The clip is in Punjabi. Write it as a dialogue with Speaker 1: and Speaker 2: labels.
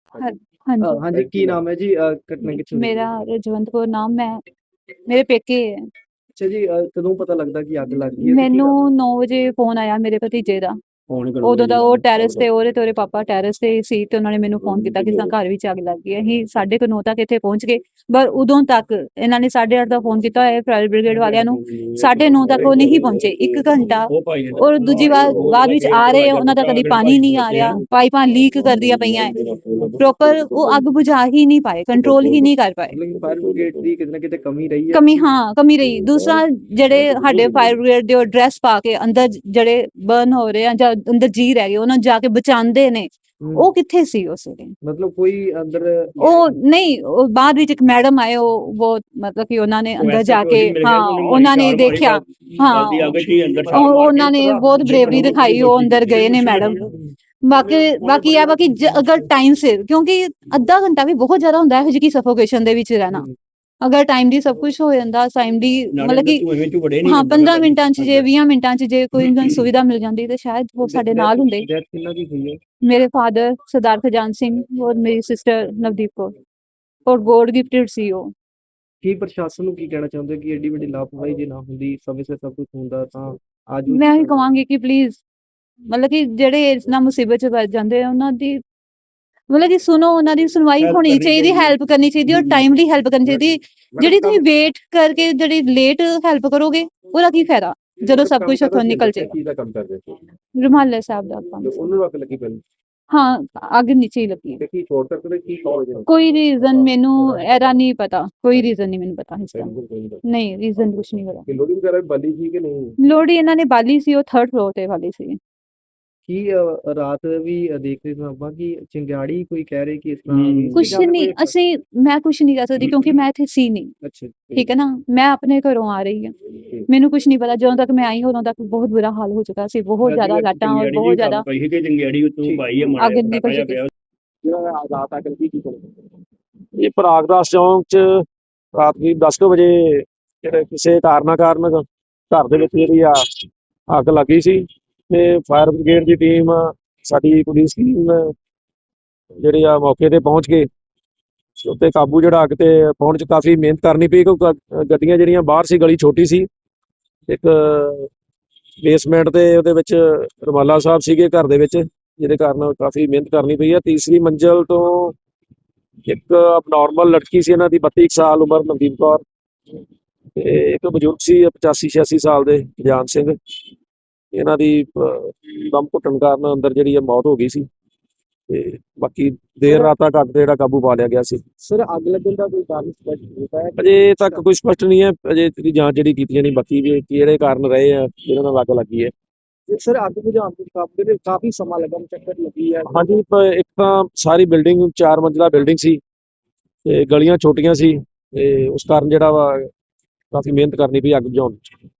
Speaker 1: ਹਾਂ ਹਾਂਜੀ।
Speaker 2: ਹਾਂਜੀ, ਕੀ ਨਾਮ ਹੈ ਜੀ? ਘਟਨਾ ਕਿੱਥੋਂ ਦੀ?
Speaker 1: ਮੇਰਾ ਰਜਵੰਤ ਕੌਰ ਨਾਮ ਮੈਂ ਮੇਰੇ ਪੇਕੇ ਹੈ।
Speaker 2: ਅੱਛਾ ਜੀ, ਕਦੋਂ ਪਤਾ ਲੱਗਦਾ ਕਿ ਅੱਗ ਲੱਗ ਗਈ ਹੈ ਤੇ ਕੀ
Speaker 1: ਮੈਨੂੰ
Speaker 2: ਕਾਰਨ?
Speaker 1: 9 ਵਜੇ ਫੋਨ ਆਇਆ ਮੇਰੇ ਭਤੀਜੇ ਦਾ।
Speaker 2: ਫੋਨ
Speaker 1: ਉਦੋਂ ਤਾਂ ਉਹ ਟੈਰੇਸ ਤੇ ਉਹਦੇ ਪਾਪਾ ਟੈਰੇਸ ਤੇ ਸੀ ਤੇ ਉਹਨਾਂ ਨੇ ਮੈਨੂੰ ਫੋਨ ਕੀਤਾ ਕਿ ਘਰ ਵਿੱਚ ਅੱਗ ਲੱਗ ਗਈ ਹੈ। ਅਸੀਂ 9:30 ਤੱਕ ਇੱਥੇ ਪਹੁੰਚ ਗਏ, ਪਰ ਉਦੋਂ ਤੱਕ ਇਹਨਾਂ ਨੇ 8:30 ਦਾ ਫੋਨ ਕੀਤਾ ਹੋਇਆ ਫਾਇਰ ਬ੍ਰਿਗੇਡ ਵਾਲਿਆਂ ਨੂੰ। 9:30 ਤੱਕ ਉਹ ਨਹੀਂ ਪਹੁੰਚੇ, 1 ਘੰਟਾ। ਔਰ ਦੂਜੀ ਵਾਰ ਬਾਅਦ ਵਿੱਚ ਆ ਰਹੇ ਉਹਨਾਂ ਦਾ ਕਦੀ ਪਾਣੀ ਨਹੀਂ ਆ ਰਿਹਾ, ਪਾਈਪਾਂ ਲੀਕ ਕਰਦੀਆਂ ਪਈਆਂ ਹੈ, ਪ੍ਰੋਪਰ ਉਹ ਅੱਗ ਬੁਝਾ ਹੀ ਨਹੀਂ ਪਾਏ, ਕੰਟਰੋਲ ਹੀ ਨਹੀਂ ਕਰ ਪਾਏ।
Speaker 2: ਮਤਲਬ ਫਾਇਰ ਬ੍ਰਿਗੇਡ ਦੀ ਕਿਤੇ ਨਾ ਕਿਤੇ ਕਮੀ ਰਹੀ ਹੈ।
Speaker 1: ਕਮੀ, ਹਾਂ ਕਮੀ ਰਹੀ। ਦੂਸਰਾ, ਜਿਹੜੇ ਸਾਡੇ ਫਾਇਰ ਬ੍ਰਿਗੇਡ ਦੇ ਡਰੈਸ ਪਾ ਕੇ ਅੰਦਰ ਜਿਹੜੇ ਬਰਨ ਹੋ ਰਹੇ ਆ ਜਾਂ ਅੰਦਰ ਜੀ ਰਹਿ ਗਏ ਉਹਨਾਂ ਨੂੰ ਜਾ ਕੇ ਬਚਾਉਂਦੇ ਨੇ, ਉਹ ਕਿੱਥੇ ਸੀ ਉਸ ਵੇਲੇ?
Speaker 2: ਮਤਲਬ ਕੋਈ ਅੰਦਰ
Speaker 1: ਉਹ ਨਹੀਂ, ਉਹ ਬਾਅਦ ਵਿੱਚ ਇੱਕ ਮੈਡਮ ਆਏ, ਉਹ ਬਹੁਤ ਮਤਲਬ ਕਿ ਉਹਨਾਂ ਨੇ ਅੰਦਰ ਜਾ ਕੇ, ਹਾਂ ਉਹਨਾਂ ਨੇ ਦੇਖਿਆ, ਹਾਂ ਉਹਨਾਂ ਨੇ ਬਹੁਤ ਬਰੇਵਰੀ ਦਿਖਾਈ, ਉਹ ਅੰਦਰ ਗਏ ਨੇ ਮੈਡਮ। ਬਾਕੀ ਅਗਰ ਟਾਈਮ ਸਿਰ, ਕਿਉਂਕਿ ਅੱਧਾ ਘੰਟਾ ਵੀ ਬਹੁਤ ਜ਼ਿਆਦਾ ਹੁੰਦਾ ਇਹੋ ਜਿਹੀ ਸਫੋਕੇਸ਼ਨ ਦੇ ਵਿੱਚ ਰਹਿਣਾ। ਅਗਰ ਟਾਈਮ ਦੀ ਸਭ ਕੁਝ ਹੋ ਜਾਂਦਾ, ਟਾਈਮ ਦੀ ਮਤਲਬ ਕਿ ਹਾਂ 15 ਮਿੰਟਾਂ 'ਚ ਜੇ 20 ਮਿੰਟਾਂ 'ਚ ਜੇ ਕੋਈ ਸੁਵਿਧਾ ਮਿਲ ਜਾਂਦੀ ਤੇ ਸ਼ਾਇਦ ਉਹ ਸਾਡੇ ਨਾਲ ਹੁੰਦੇ।
Speaker 2: ਡੈਥ ਕਿੰਨਾ ਦੀ ਹੋਈ ਹੈ?
Speaker 1: ਮੇਰੇ ਫਾਦਰ ਸਰਦਾਰ ਖਜਾਨ ਸਿੰਘ ਔਰ ਮੇਰੀ ਸਿਸਟਰ ਨਵਦੀਪ ਕੌਰ, ਔਰ ਗੋਡ ਗਿਫਟਡ ਸੀ ਉਹ।
Speaker 2: ਕੀ ਪ੍ਰਸ਼ਾਸਨ ਨੂੰ ਕੀ ਕਹਿਣਾ ਚਾਹੁੰਦੇ ਕਿ ਏਡੀ ਵੱਡੀ ਲਾਪਰਵਾਹੀ ਜੇ ਨਾ ਹੁੰਦੀ, ਸਮੇਂ ਸਿਰ ਸਭ ਕੁਝ ਹੁੰਦਾ ਤਾਂ ਅੱਜ
Speaker 1: ਮੈਂ ਇਹ ਕਹਾਂਗੀ ਕਿ ਪਲੀਜ਼, ਮਤਲਬ ਕਿ ਜਿਹੜੇ ਇਸ ਨਾਲ ਮੁਸੀਬਤ 'ਚ ਵੱਜ ਜਾਂਦੇ ਆ ਉਹਨਾਂ ਦੀ ਮਤਲਬ ਕਿ ਸੁਣੋ, ਉਹਨਾਂ ਦੀ ਸੁਣਵਾਈ ਹੋਣੀ ਚਾਹੀਦੀ, ਹੈਲਪ ਕਰਨੀ ਚਾਹੀਦੀ ਔਰ ਟਾਈਮਲੀ ਹੈਲਪ ਕਰਨੀ ਚਾਹੀਦੀ। ਜਿਹੜੀ ਤੁਸੀਂ ਵੇਟ ਕਰਕੇ ਜਿਹੜੀ ਲੇਟ ਹੈਲਪ ਕਰੋਗੇ ਉਹਦਾ ਕੀ ਫਾਇਦਾ ਜਦੋਂ ਸਭ ਕੁਝ ਉੱਥੋਂ ਨਿਕਲ ਜਾਏਗਾ।
Speaker 2: ਕੀ ਦਾ ਕੰਮ ਕਰਦੇ ਸੀ?
Speaker 1: ਰੁਮਾਲੇ ਸਾਹਿਬ ਦਾ ਕੰਮ ਸੀ।
Speaker 2: ਉਹਨੂੰ ਅੱਗ ਲੱਗੀ ਪਹਿਲਾਂ?
Speaker 1: ਹਾਂ, ਅੱਗ ਨੀਚੇ ਹੀ ਲੱਗੀ।
Speaker 2: ਤੇ ਕੀ ਸ਼ੋਰਟ ਸਰਕਟ ਕੀ ਕਾਰਨ?
Speaker 1: ਕੋਈ ਰੀਜ਼ਨ ਮੈਨੂੰ ਇਹਦਾ ਨਹੀਂ ਪਤਾ, ਕੋਈ ਰੀਜ਼ਨ ਨਹੀਂ ਮੈਨੂੰ ਪਤਾ ਇਸਦਾ। ਨਹੀਂ, ਰੀਜ਼ਨ ਕੁਛ ਨਹੀਂ ਪਤਾ।
Speaker 2: ਲੋਹੜੀ ਵਗੈਰਾ ਬਾਲੀ ਸੀ ਕਿ ਨਹੀਂ?
Speaker 1: ਲੋਹੜੀ ਇਹਨਾਂ ਨੇ ਬਾਲੀ ਸੀ, ਉਹ 3rd ਫਲੋਰ ਤੇ ਵਾਲੀ ਸੀ।
Speaker 2: ਕੀ ਰਾਤ ਵੀ ਦੇਖ ਰਹੇ ਸਾਂ ਆਪਾਂ ਕਿ ਚਿੰਗਾੜੀ ਕੋਈ ਕਹਿ ਰਹੇ ਕਿ ਇਸ ਤਰ੍ਹਾਂ
Speaker 1: ਕੁਛ ਨਹੀਂ, ਮੈਂ ਕੁਛ ਨਹੀਂ ਕਰ ਸਕਦੀ ਕਿਉਂਕਿ ਮੈਂ ਇੱਥੇ ਸੀ ਨਹੀਂ।
Speaker 2: ਅੱਛਾ,
Speaker 1: ਠੀਕ ਹੈ ਨਾ, ਮੈਂ ਆਪਣੇ ਘਰੋਂ ਆ ਰਹੀ ਹਾਂ, ਮੈਨੂੰ ਕੁਛ ਨਹੀਂ ਪਤਾ। ਜਦੋਂ ਤੱਕ ਮੈਂ ਆਈ ਉਦੋਂ ਤੱਕ ਬਹੁਤ ਬੁਰਾ ਹਾਲ ਹੋ ਚੁੱਕਾ ਸੀ, ਬਹੁਤ ਜ਼ਿਆਦਾ ਲਾਟਾਂ ਔਰ ਬਹੁਤ ਜ਼ਿਆਦਾ ਅੱਗ ਨਿਕਲ ਚੁੱਕੀ।
Speaker 3: ਇਹ ਪਰਾਗਦਾਸ ਚੌਂਕ ਚ ਰਾਤ ਦੀ 10 ਵਜੇ ਜਿਹੜੇ ਕਿਸੇ ਕਾਰਨ ਘਰ ਦੇ ਵਿੱਚ ਜਿਹੜੀ ਆ ਅੱਗ ਲੱਗੀ ਸੀ ਤੇ ਫਾਇਰ ਬ੍ਰਿਗੇਡ ਦੀ ਟੀਮ, ਸਾਡੀ ਪੁਲਿਸ ਟੀਮ ਜਿਹੜੀ ਆ ਮੌਕੇ ਤੇ ਪਹੁੰਚ ਕੇ ਉੱਤੇ ਕਾਬੂ ਜਿਹੜਾ ਅੱਗ ਤੇ ਪਾਉਣ ਚ ਕਾਫੀ ਮਿਹਨਤ ਕਰਨੀ ਪਈ ਕਿਉਂਕਿ ਗੱਡੀਆਂ ਜਿਹੜੀਆਂ ਬਾਹਰ ਸੀ, ਗਲੀ ਛੋਟੀ ਸੀ, ਇੱਕ ਬੇਸਮੈਂਟ ਤੇ ਉਹਦੇ ਵਿੱਚ ਰੁਮਾਲਾ ਸਾਹਿਬ ਸੀਗੇ ਘਰ ਦੇ ਵਿੱਚ, ਜਿਹਦੇ ਕਾਰਨ ਕਾਫੀ ਮਿਹਨਤ ਕਰਨੀ ਪਈ ਹੈ। ਤੀਸਰੀ ਮੰਜ਼ਿਲ ਤੋਂ ਇੱਕ ਅਬਨੋਰਮਲ ਲੜਕੀ ਸੀ, ਇਹਨਾਂ ਦੀ 32 ਸਾਲ ਉਮਰ, ਨਵਦੀਪ ਕੌਰ, ਤੇ ਇੱਕ ਬਜ਼ੁਰਗ ਸੀ 85-86 ਸਾਲ ਦੇ ਜਾਨ ਸਿੰਘ। ਇਹਨਾਂ ਦੀ ਦਮ ਘੁੱਟਣ ਕਾਰਨ ਅੰਦਰ ਜਿਹੜੀ ਹੈ ਮੌਤ ਹੋ ਗਈ ਸੀ ਤੇ ਬਾਕੀ ਦੇਰ ਰਾਤ ਤੱਕ ਅੱਗ ਤੇ ਜਿਹੜਾ ਕਾਬੂ ਪਾ ਲਿਆ ਗਿਆ ਸੀ।
Speaker 2: ਸਰ, ਅੱਗ ਲੱਗਣ ਦਾ ਕੋਈ ਕਾਰਨ ਸਪਸ਼ਟ ਹੁੰਦਾ ਹੈ?
Speaker 3: ਅਜੇ ਤੱਕ ਕੋਈ ਸਪਸ਼ਟ ਨਹੀਂ ਹੈ, ਅਜੇ ਦੀ ਜਾਂਚ ਜਿਹੜੀ ਕੀਤੀ ਜਾਣੀ ਬਾਕੀ ਵੀ ਕਿਹੜੇ ਕਾਰਨ ਰਹੇ ਆ ਜਿਹਨਾਂ ਨਾਲ ਅੱਗ ਲੱਗੀ ਹੈ।
Speaker 2: ਸਰ, ਅੱਗ ਬੁਝਾਉਣ ਦੇ ਕਾਫੀ ਸਮਾਂ ਲੱਗਾ, ਮੁਸ਼ੱਕਤ ਲੱਗੀ ਹੈ।
Speaker 3: ਹਾਂਜੀ, ਇੱਕ ਤਾਂ ਸਾਰੀ ਬਿਲਡਿੰਗ 4 ਮੰਜ਼ਿਲਾ ਬਿਲਡਿੰਗ ਸੀ ਤੇ ਗਲੀਆਂ ਛੋਟੀਆਂ ਸੀ ਤੇ ਉਸ ਕਾਰਨ ਜਿਹੜਾ ਵਾ ਕਾਫੀ ਮਿਹਨਤ ਕਰਨੀ ਪਈ ਅੱਗ ਬੁਝਾਉਣ 'ਚ।